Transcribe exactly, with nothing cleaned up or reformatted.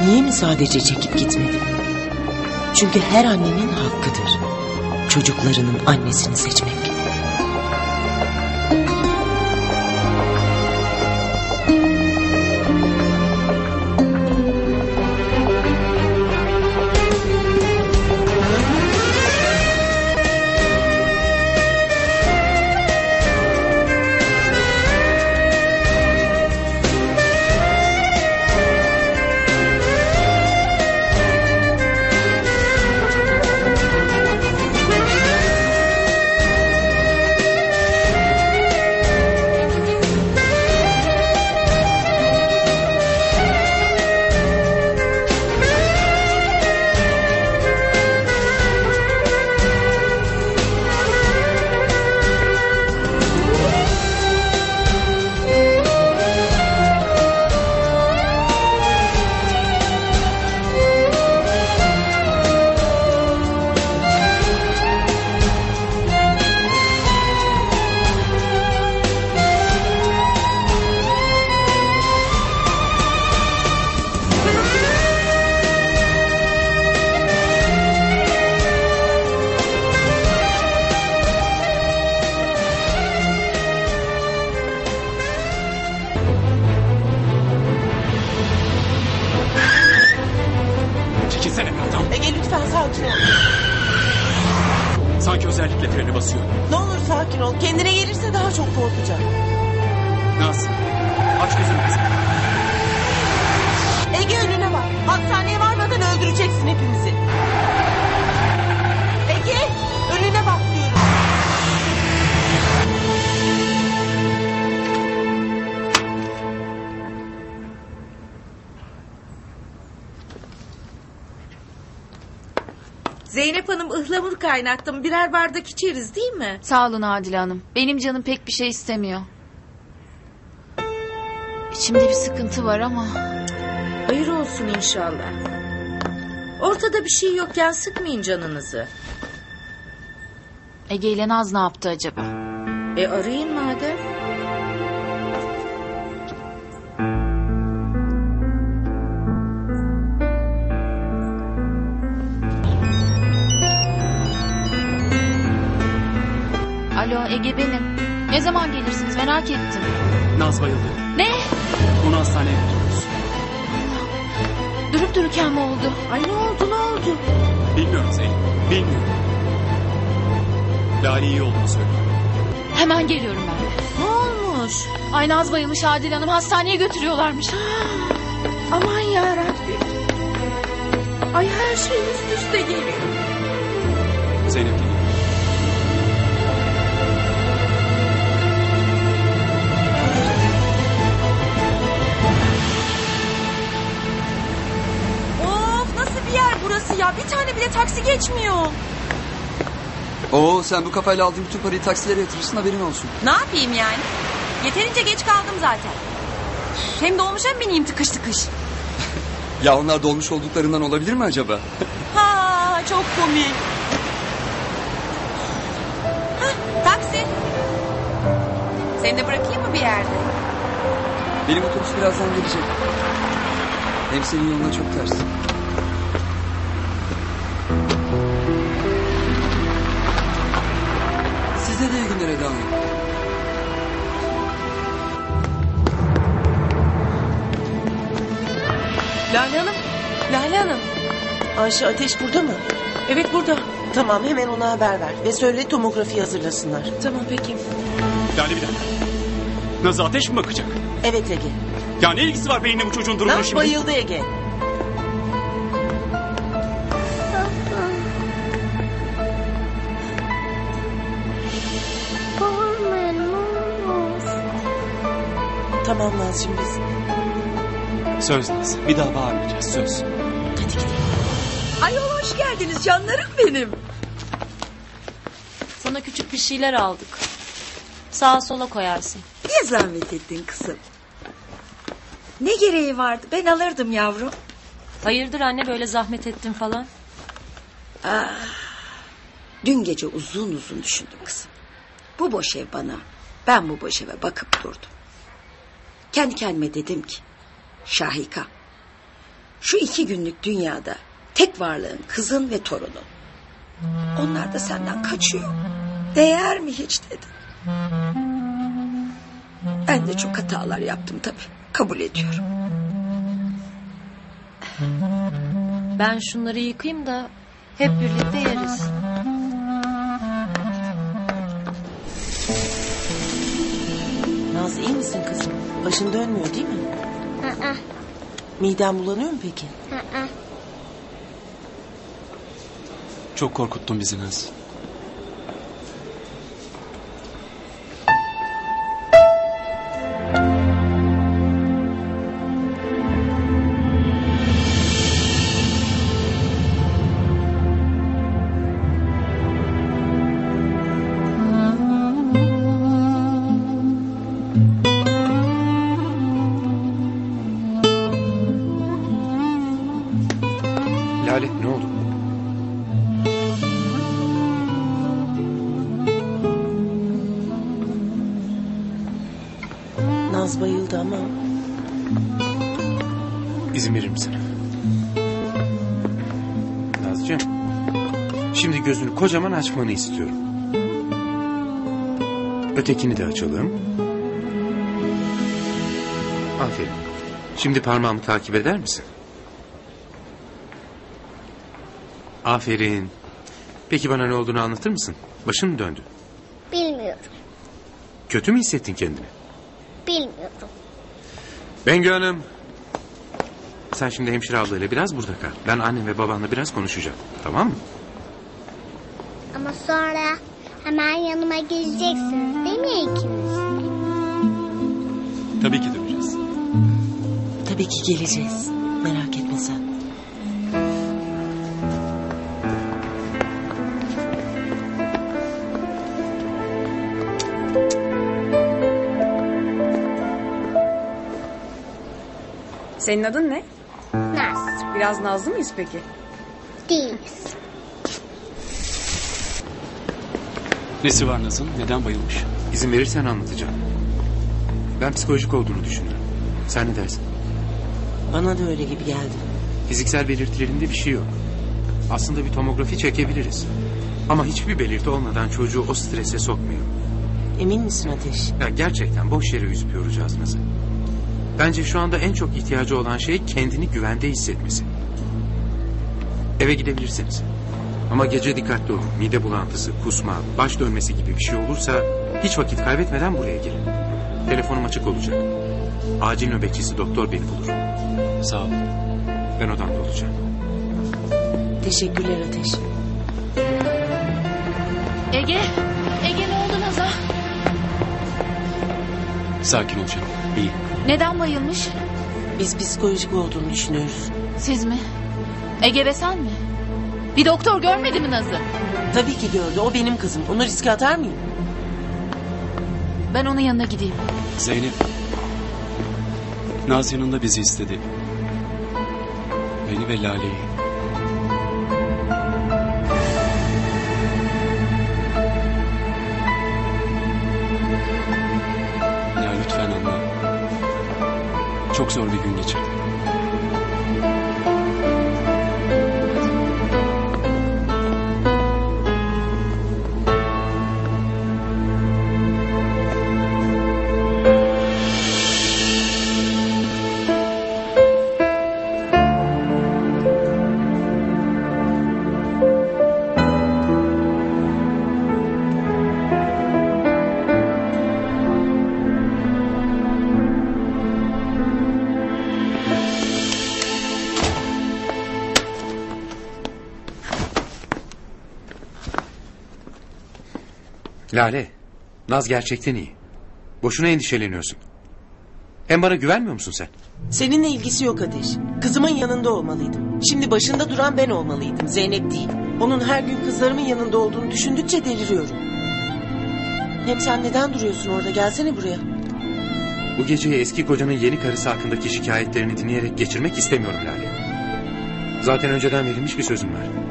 Niye mi sadece çekip gitmedi? Çünkü her annenin hakkıdır çocuklarının annesini seçmek. Ege lütfen sakin ol. Sanki özellikle freni basıyor. Ne olur sakin ol. Kendine gelirse daha çok korkacak. Naz, aç gözünü kızım. Ege önüne bak. Hastaneye varmadan öldüreceksin hepimizi. Ege önüne bak diyorum. Zeynep Hanım ıhlamur kaynattım. Birer bardak içeriz değil mi? Sağ olun Adile Hanım. Benim canım pek bir şey istemiyor. İçimde bir sıkıntı var ama. Hayır olsun inşallah. Ortada bir şey yokken sıkmayın canınızı. Ege ile Naz ne yaptı acaba? E arayın madem. Alo Ege benim. Ne zaman gelirsiniz merak ettim. Naz bayıldı. Ne? Onu hastaneye götürüyoruz. Durup dururken mi oldu? Ay ne oldu ne oldu? Bilmiyorum Zeynep. Bilmiyorum. Lale iyi olduğunu söylüyor. Hemen geliyorum ben de. Ne olmuş? Ay Naz bayılmış Adile Hanım. Hastaneye götürüyorlarmış. Aman yarabbim. Ay her şey üst üste geliyor. Zeynep geliyor. Burası ya bir tane bile taksi geçmiyor. Oo sen bu kafayla aldığın bütün parayı taksilere yatırırsın haberin olsun. Ne yapayım yani? Yeterince geç kaldım zaten. Hem dolmuşa mı bineyim tıkış tıkış? Ya onlar dolmuş olduklarından olabilir mi acaba? Ha çok komik. Hah, taksi. Seni de bırakayım mı bir yerde? Benim otobüs birazdan gelecek. Hem senin yoluna çok ters. Size de iyi günler Eda Hanım. Lale Hanım. Lale Hanım. Ayşe Ateş burada mı? Evet burada. Tamam hemen ona haber ver. Ve söyle tomografi hazırlasınlar. Tamam peki. Lale bir dakika. Naz'a ateş mi bakacak? Evet Ege. Ya ne ilgisi var benimle bu çocuğun durumuna Naz şimdi? bayıldı Ege. Tamam Nazcığım biz. Söz Naz. Bir daha bağırmayacağız söz. Hadi gidelim. Ayol hoş geldiniz canlarım benim. Sana küçük bir şeyler aldık. Sağa sola koyarsın. Niye zahmet ettin kızım? Ne gereği vardı? Ben alırdım yavrum. Hayırdır anne böyle zahmet ettin falan? Ah, dün gece uzun uzun düşündüm kızım. Bu boş ev bana. Ben bu boş eve bakıp durdum. Kendi kendime dedim ki Şahika, Şu iki günlük dünyada tek varlığın kızın ve torunun. Onlar da senden kaçıyor. Değer mi hiç dedim. Ben de çok hatalar yaptım tabii. Kabul ediyorum. Ben şunları yıkayayım da hep birlikte yeriz. Naz iyi misin kızım? Başın dönmüyor değil mi? Aa, Miden bulanıyor mu peki? aa. Çok korkuttun bizi Naz. Lale ne oldu? Naz bayıldı ama İzin verir misin? Nazcığım. Şimdi gözünü kocaman açmanı istiyorum. Ötekini de açalım. Aferin. Şimdi parmağımı takip eder misin? Aferin. Peki bana ne olduğunu anlatır mısın? Başın mı döndü? Bilmiyorum. Kötü mü hissettin kendini? Bilmiyorum. Bengü Hanım. Sen şimdi hemşire ablayla biraz burada kal. Ben annem ve babanla biraz konuşacağım. Tamam mı? Ama sonra hemen yanıma geleceksiniz değil mi ikiniz? Tabii ki döneceğiz. tabii ki geleceğiz. Merak etme sen. Senin adın ne? Naz. Biraz nazlı mıyız peki? Değiliz. Nesi var Naz'ın? Neden bayılmış? İzin verirsen anlatacağım. Ben psikolojik olduğunu düşünüyorum. Sen ne dersin? Bana da öyle gibi geldi. Fiziksel belirtilerinde bir şey yok. Aslında bir tomografi çekebiliriz. Ama hiçbir belirti olmadan çocuğu o strese sokmuyor. Emin misin Ateş? Ya gerçekten boş yere üzüp yoracağız Naz'ı. Bence şu anda en çok ihtiyacı olan şey kendini güvende hissetmesi. Eve gidebilirsiniz. Ama gece dikkatli olun. Mide bulantısı, kusma, baş dönmesi gibi bir şey olursa hiç vakit kaybetmeden buraya gelin. Telefonum açık olacak. Acil nöbetçisi doktor beni bulur. Sağ ol. Ben odamda olacağım. Teşekkürler Ateş. Ege, Ege ne oldu Naz'a? Sakin ol canım. İyi. Neden bayılmış? Biz psikolojik olduğunu düşünüyoruz. Siz mi? Ege ve sen mi? Bir doktor görmedi mi Naz'ı? Tabii ki gördü. O benim kızım. Onu riske atar mıyım? Ben onun yanına gideyim. Zeynep. Naz yanında bizi istedi. Beni ve Lale'yi. Ya lütfen anla. Çok zor bir gün geçirdim. Lale, Naz gerçekten iyi. Boşuna endişeleniyorsun. Hem bana güvenmiyor musun sen? Seninle ilgisi yok Ateş. Kızımın yanında olmalıydım. Şimdi başında duran ben olmalıydım. Zeynep değil. Onun her gün kızlarımın yanında olduğunu düşündükçe deliriyorum. Hem sen neden duruyorsun orada? Gelsene buraya. Bu geceyi eski kocanın yeni karısı hakkındaki şikayetlerini dinleyerek geçirmek istemiyorum Lale. Zaten önceden verilmiş bir sözüm var.